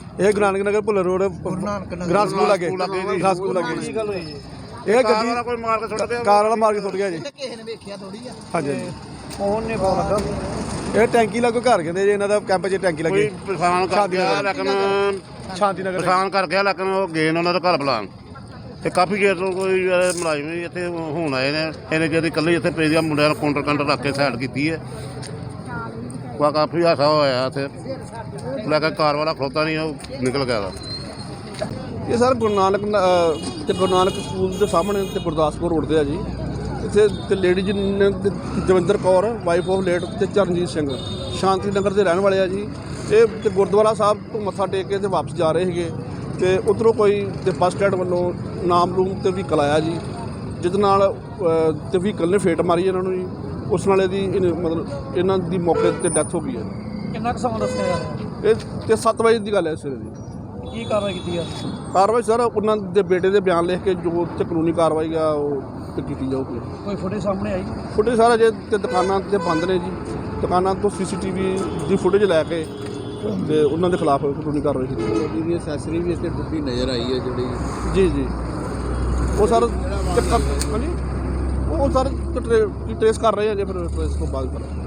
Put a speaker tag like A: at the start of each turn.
A: ਇਹ Guru Nanak Nagar Bhullar road grass school ਲੱਗੇ grass school ਲੱਗੇ ਜੀ। ਇਹ ਗੱਡੀ
B: ਕੋਈ ਮਾਰ ਕੇ ਸੁੱਟ ਗਿਆ,
A: ਕਾਰ ਵਾਲਾ ਮਾਰ ਕੇ ਸੁੱਟ ਗਿਆ ਜੀ।
C: ਕਿਸੇ ਨੇ ਵੇਖਿਆ ਥੋੜੀ ਆ।
A: ਹਾਂਜੀ
C: ਫੋਨ ਨੇ ਫੋਨ ਲੱਗਾ।
A: ਇਹ ਟੈਂਕੀ ਲੱਗੋ ਘਰ ਕਹਿੰਦੇ ਜੀ, ਇਹਨਾਂ ਦਾ ਕੈਂਪ 'ਚ ਟੈਂਕੀ ਲੱਗੀ।
B: ਕੋਈ ਪਛਾਣ ਕਰ ਗਿਆ ਲੇਕਿਨ
A: ਸ਼ਾਂਤੀ ਨਗਰ
B: ਪਛਾਣ ਕਰ ਗਿਆ ਲੇਕਿਨ ਉਹ ਗਏ ਨੇ ਉਹਨਾਂ ਦਾ ਘਰ ਬੁਲਾਉਣ ਤੇ ਕਾਫੀ ਚਿਰ ਤੋਂ ਕੋਈ ਮੁਲਾਜ਼ਮ ਵੀ ਇੱਥੇ ਹੁਣ ਆਏ ਨੇ। ਇਹਨੇ ਜਿਹੜੀ ਇਕੱਲੇ ਇੱਥੇ ਪਏ ਦੀਆਂ ਮੁੰਡਿਆਂ ਨੂੰ ਕਾਊਂਟਰ ਰੱਖ ਕੇ ਸਾਈਡ ਕੀਤੀ ਹੈ। ਕਾਫੀ ਹਾਸਾ ਹੋਇਆ ਇੱਥੇ, ਲੇਕਿਨ ਕਾਰ ਵਾਲਾ ਖਲੋਤਾ ਨਹੀਂ, ਉਹ ਨਿਕਲ ਗਿਆ ਵਾ।
A: ਇਹ ਸਰ ਗੁਰੂ ਨਾਨਕ ਤੇ ਗੁਰੂ ਨਾਨਕ ਸਕੂਲ ਦੇ ਸਾਹਮਣੇ ਤੇ ਗੁਰਦਾਸਪੁਰ ਰੋਡ 'ਤੇ ਆ ਜੀ। ਇੱਥੇ ਤੇ ਲੇਡੀਜ਼ ਨੇ Davinder Kaur wife of late ਤੇ ਚਰਨਜੀਤ ਸਿੰਘ ਸ਼ਾਂਤੀ ਨਗਰ ਦੇ ਰਹਿਣ ਵਾਲੇ ਆ ਜੀ। ਇਹ ਤੇ ਗੁਰਦੁਆਰਾ ਸਾਹਿਬ ਤੋਂ ਮੱਥਾ ਟੇਕ ਕੇ ਤੇ ਵਾਪਸ ਜਾ ਰਹੇ ਸੀਗੇ ਤੇ ਉੱਧਰੋਂ ਕੋਈ ਤੇ ਬੱਸ ਸਟੈਂਡ ਵੱਲੋਂ ਨਾਮ ਰੂਮ ਤੇ ਵਹੀਕਲ ਆਇਆ ਜੀ, ਜਿਹਦੇ ਨਾਲ ਤੇ ਵਹੀਕਲ ਨੇ ਫੇਟ ਮਾਰੀ ਇਹਨਾਂ ਨੂੰ ਜੀ। ਉਸ ਨਾਲ ਇਹਦੀ ਮਤਲਬ ਇਹਨਾਂ ਦੀ ਮੌਕੇ 'ਤੇ ਡੈਥ ਹੋ ਗਈ ਹੈ।
C: ਕਿੰਨਾ ਕੁ ਸਮਾਂ ਦੱਸਿਆ ਯਾਰ?
A: ਇਹ ਤੇ 7 ਵਜੇ ਦੀ ਗੱਲ ਹੈ ਸਵੇਰੇ ਦੀ।
C: ਕੀ ਕਾਰਵਾਈ ਕੀਤੀ ਆ?
A: ਕਾਰਵਾਈ ਸਰ ਉਹਨਾਂ ਦੇ ਬੇਟੇ ਦੇ ਬਿਆਨ ਲਿਖ ਕੇ ਜੋ ਤੇ ਕਾਨੂੰਨੀ ਕਾਰਵਾਈ ਆ ਉਹ ਤੇ ਕੀਤੀ ਜਾਊਗੀ।
C: ਕੋਈ ਫੁਟੇਜ ਸਾਹਮਣੇ ਆਈ?
A: ਫੁਟੇਜ ਸਾਰਾ ਜੇ ਤੇ ਦੁਕਾਨਾਂ ਤੇ ਬੰਦ ਨੇ ਜੀ। ਦੁਕਾਨਾਂ ਤੋਂ CCTV ਦੀ ਫੁਟੇਜ ਲੈ ਕੇ ਤੇ ਉਹਨਾਂ ਦੇ ਖਿਲਾਫ ਕਾਨੂੰਨੀ ਕਾਰਵਾਈ ਕੀਤੀ ਜਾਊਗੀ।
D: ਇਹਦੀ ਅਸੈਸਰੀ ਵੀ ਇੱਥੇ ਟੁੱਟੀ ਨਜ਼ਰ ਆਈ ਹੈ ਜਿਹੜੀ।
A: ਜੀ ਉਹ ਸਰ ਹਾਂਜੀ ਉਹ ਸਰ ਟਰੇਸ ਕਰ ਰਹੇ ਆ ਜੇ ਫਿਰ ਟਰੇਸ ਤੋਂ ਬਾਅਦ ਕਰ